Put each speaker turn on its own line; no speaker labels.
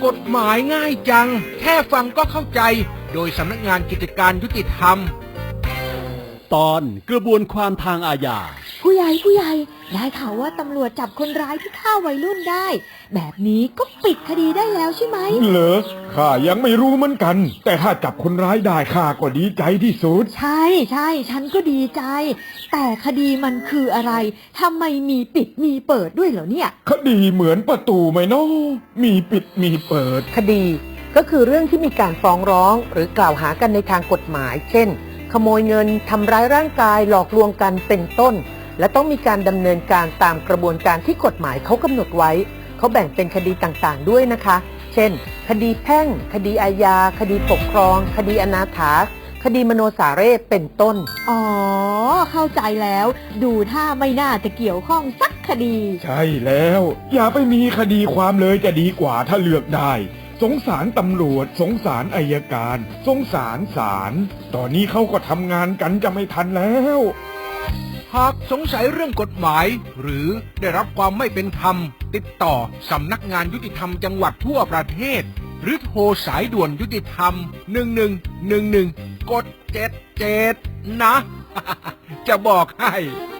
กฎหมายง่ายจังแค่ฟังก็เข้าใจโดยสำนักงานกิจการยุติธรรม
ตอนกระบวนความทางอาญา
ผู้ใหญ่ได้ข่าวว่าตำรวจจับคนร้ายที่ฆ่าวัยรุ่นได้แบบนี้ก็ปิดคดีได้แล้วใช่ไหม
เหรอข้ายังไม่รู้เหมือนกันแต่ถ้าจับคนร้ายได้ข้าก็ดีใจที่สุด
ใช่ฉันก็ดีใจแต่คดีมันคืออะไรทำไมมีปิดมีเปิดด้วยเหรอเนี่ย
คดีเหมือนประตูไหมเนาะมีปิดมีเปิด
คดีก็คือเรื่องที่มีการฟ้องร้องหรือกล่าวหากันในทางกฎหมายเช่นขโมยเงินทำร้ายร่างกายหลอกลวงกันเป็นต้นและต้องมีการดำเนินการตามกระบวนการที่กฎหมายเขากำหนดไว้เขาแบ่งเป็นคดีต่างๆด้วยนะคะเช่นคดีแพ่งคดีอาญาคดีปกครองคดีอนาถาคดีมโนสาเรศเป็นต้น
อ๋อเข้าใจแล้วดูท่าไม่น่าจะเกี่ยวข้องสักคดี
ใช่แล้วอย่าไปมีคดีความเลยจะดีกว่าถ้าเลือกได้สงสารตำรวจสงสารอัยการสงสารศาลตอนนี้เขาก็ทำงานกันจะไม่ทันแล้ว
หากสงสัยเรื่องกฎหมายหรือได้รับความไม่เป็นธรรมติดต่อสำนักงานยุติธรรมจังหวัดทั่วประเทศหรือโทรสายด่วนยุติธรรม1111กด77นะ จะบอกให้